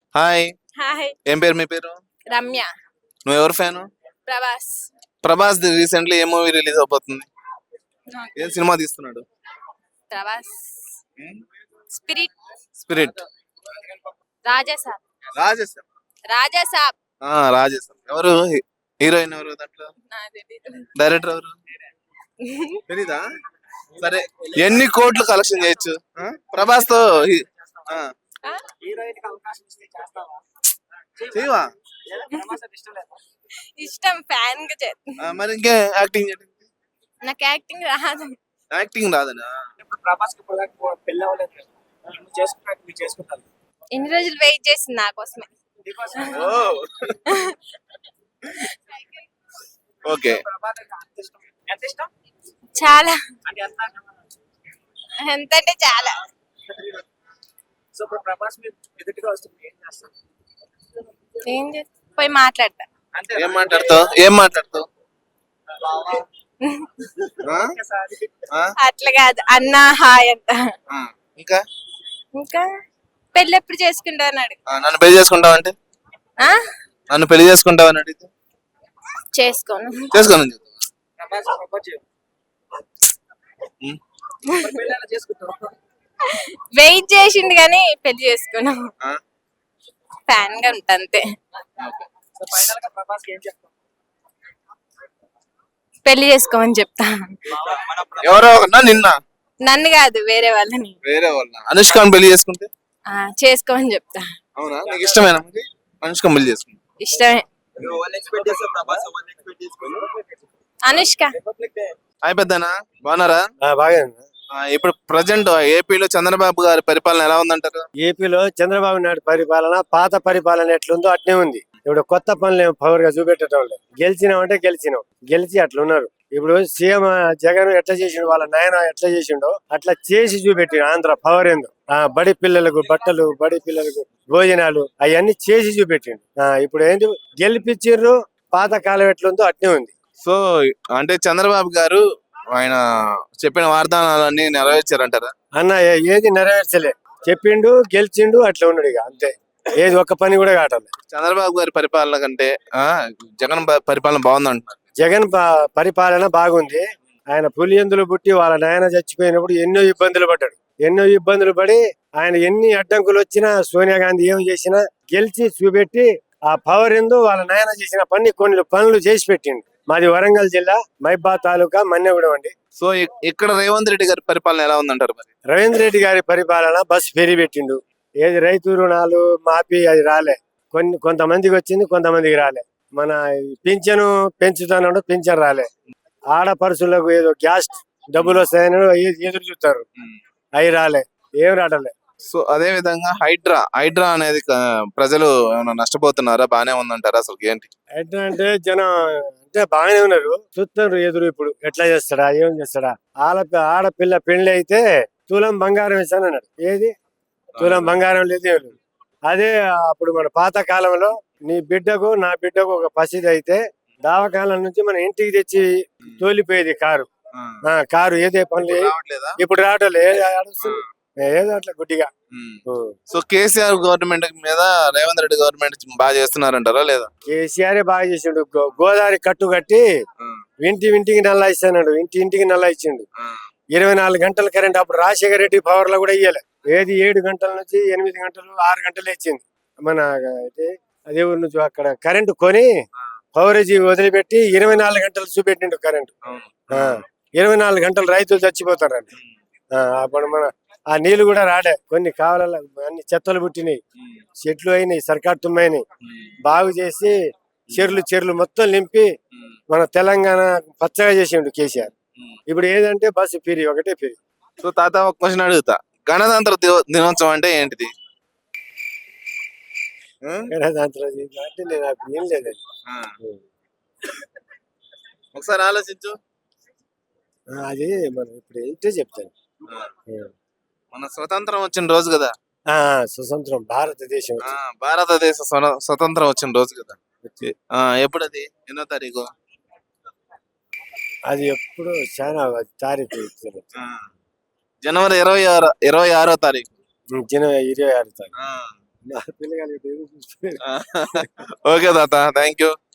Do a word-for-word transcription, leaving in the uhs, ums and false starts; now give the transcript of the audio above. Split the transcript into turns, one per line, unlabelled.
Hi.
Hi.
ఏం పేరు మీ పేరు?
రమ్య.
నువ్వు ఎవరు ఫ్యాను?
ప్రభాస్.
ప్రభాస్ రీసెంట్లీ ఏ మూవీ రిలీజ్ అవబోతుంది? ఏం సినిమా తీస్తున్నాడు?
ప్రభాస్. స్పిరిట్.
స్పిరిట్.
రాజసాబ్.
రాజేశం.
రాజసాబ్.
ఆ రాజేశం. ఎవరు హీరోయిన్ ఎవరు దాంట్లో? డైరెక్టర్ ఎవరు తెలీదా? సరే, ఎన్ని కోట్లు కలెక్షన్ చేయొచ్చు ప్రభాస్ తో? చేయవా?
ఇష్టం, ఫ్యాన్ గా చేస్తా.
మరి ఇంకే యాక్టింగ్
నాకు యాక్టింగ్ రాదు.
యాక్టింగ్ రాదనా?
ఎన్ని రోజులు వెయిట్ చేసింది నా కోసమే.
ఓకే.
చాలా, ఎంత అంటే చాలా. ఏం చేస్తా, పోయి మాట్లాడతా.
ఏం మాట్లాడతావు? ఏం మాట్లాడతావు?
అట్లా కాదు, అన్నా హాయ్ అంట.
ఇంకా
ఇంకా పెళ్ళి ఎప్పుడు చేసుకుంటా అన్నాడు.
నన్ను పెళ్లి చేసుకుంటావు అంటే? నన్ను పెళ్లి చేసుకుంటావు అని అడిగితే
చేసుకోను.
చేసుకోను.
వెయిట్ చేసిండు కానీ పెళ్లి చేసుకోను. ఫ్యాన్ గా ఉంటా అంతే. పెళ్లి చేసుకోమని చెప్తా.
ఎవరో నిన్న
నన్ను కాదు, వేరే వాళ్ళని.
వేరే వాళ్ళ అనుష్కని పెళ్లి చేసుకుంటే
చేసుకోమని చెప్తా.
అవునా? నీకు ఇష్టమేనా మరి అనుష్కని పెళ్లి చేసుకుంటే?
ఇష్టమే. అనుష్క.
హాయ్ పెద్దనా, బాగున్నారా?
బాగా.
ఇప్పుడు ప్రజెంట్ ఏపీలో చంద్రబాబు గారి పరిపాలన ఎలా ఉందంటారు?
ఏపీలో చంద్రబాబు నాయుడు పరిపాలన పాత పరిపాలన ఎట్లుందో అట్నే ఉంది. ఇప్పుడు కొత్త పనులు ఏం పవర్ గా చూపెట్టడం లేదు. గెలిచినామంటే గెలిచినాం, గెలిచి అట్లున్నారు. ఇప్పుడు సీఎం జగన్ ఎట్లా చేసిండు, వాళ్ళ నాయన ఎట్లా చేసిండో అట్లా చేసి చూపెట్టిండు. ఆంధ్ర పవర్ ఏందో, ఆ బడి పిల్లలకు బట్టలు, బడి పిల్లలకు భోజనాలు అవన్నీ చేసి చూపెట్టిండు. ఆ ఇప్పుడు ఏంటి, గెలిపించిండ్రు, పాత కాలం ఎట్లుందో అట్నే ఉంది.
సో అంటే చంద్రబాబు గారు ఆయన చెప్పిన వాగ్దానాలన్నీ నెరవేర్చారంటారా?
అన్న ఏది నెరవేర్చలే, చెప్పిండు గెలిచిండు అట్లా ఉన్నాడు, ఇక అంతే. ఏది ఒక్క పని కూడా కావట్లేదు.
చంద్రబాబు గారి పరిపాలన కంటే ఆ జగన్ పరిపాలన బాగుంది అంటున్నారు.
జగన్ పరిపాలన బాగుంది. ఆయన పులియందులు పుట్టి వాళ్ళ నాయన చచ్చిపోయినప్పుడు ఎన్నో ఇబ్బందులు పడ్డాడు. ఎన్నో ఇబ్బందులు పడి ఆయన ఎన్ని అడ్డంకులు వచ్చినా, సోనియా గాంధీ ఏం చేసినా గెలిచి చూపెట్టి ఆ పవర్ ఎందు వాళ్ళ నాయన చేసిన పని కొన్ని పనులు చేసి పెట్టిండు. మాది వరంగల్ జిల్లా మైబా తాలూకా మన్నెగూడెం అండి.
సో ఇక్కడ రేవంత్ రెడ్డి గారి పరిపాలన ఎలా ఉందంటారు మరి?
రవీంద్ర రెడ్డి గారి పరిపాలన బస్సు ఫెరీ పెట్టిండు. ఏది రైతు రుణాలు మాఫీ అది రాలే, కొన్ని కొంతమందికి వచ్చింది, కొంతమందికి రాలే. మన పింఛను పెంచుతాను, పింఛన్ రాలే. ఆడపరుచులకు ఏదో గ్యాస్ డబ్బులు వస్తాయని ఎదురు చూస్తారు, అవి రాలే, ఏం రావట్లే.
సో అదే విధంగా హైడ్రా హైడ్రా అనేది ప్రజలు ఏమైనా నష్టపోతున్నారా, బానే ఉందంటారా? అసలు ఏంటి
హైడ్రా అంటే జనం అంటే బాగానే ఉన్నారు, చూస్తారు ఎదురు. ఇప్పుడు ఎట్లా చేస్తాడా, ఏం చేస్తాడా? ఆడ ఆడపిల్ల పెళ్లి అయితే తులం బంగారం ఇస్తాను అన్నాడు. ఏది తులం బంగారం లేదు. అదే అప్పుడు మన పాత కాలంలో నీ బిడ్డకు నా బిడ్డకు ఒక పసిది అయితే దావకాలం నుంచి మన ఇంటికి తెచ్చి తోలిపోయేది కారు. కారు ఏదే పనులు ఇప్పుడు రావటం ఏదో అట్లా గుడ్డిగా.
సో కేసీఆర్ గవర్నమెంట్ మీద రేవంత్ రెడ్డి గవర్నమెంట్ బాగా చేస్తున్నారంటారా లేదా?
కేసీఆర్ బాగా చేసిండు. గోదావరి కట్టు కట్టి ఇంటి ఇంటికి నల్లా ఇస్తాడు, ఇంటి ఇంటికి నల్లా ఇచ్చిండు. ఇరవై నాలుగు గంటల కరెంట్. అప్పుడు రాజశేఖర రెడ్డి పవర్ లో కూడా ఇయ్యలే. ఏది ఏడు గంటల నుంచి ఎనిమిది గంటలు ఆరు గంటలు ఇచ్చింది. మన అదే ఊరు నుంచి అక్కడ కరెంటు కొని పవరేజీ వదిలిపెట్టి ఇరవై నాలుగు గంటలు చూపెట్టిండు కరెంటు. ఇరవై నాలుగు గంటలు రైతులు చచ్చిపోతారండి. అప్పుడు మన ఆ నీళ్లు కూడా రాడే, కొన్ని కావాల అన్ని చెత్తలు పుట్టినాయి, చెట్లు అయినాయి, సర్కార్ తుమ్మైనాయి. బాగు చేసి చెర్లు చెర్లు మొత్తం నింపి మన తెలంగాణ పచ్చగా చేసిండు కేసీఆర్. ఇప్పుడు ఏదంటే బస్సు ఫిరి, ఒకటే ఫిరి.
సో తాత ఒక క్వశ్చన్ అడుగుతా, గణతంత్ర దినోత్సవం అంటే ఏంటిది?
గణతంత్ర అంటే నేను నాకు ఏం లేదు,
ఒకసారి ఆలోచించు.
అది మనం ఇప్పుడు ఏంటో చెప్తాను.
మన స్వతంత్రం వచ్చిన రోజు కదా,
స్వతంత్రం భారతదేశం
భారతదేశ స్వతంత్రం వచ్చిన రోజు కదా. ఎప్పుడు అది? ఎన్నో తారీఖు?
అది ఎప్పుడు చాలా తారీఖు
జనవరి ఇరవై ఆరు ఇరవై ఆరో తారీఖు
జనవరి ఇరవై ఆరు తారీఖు నా పిల్లగాలి
ఓకే తాత థ్యాంక్ యూ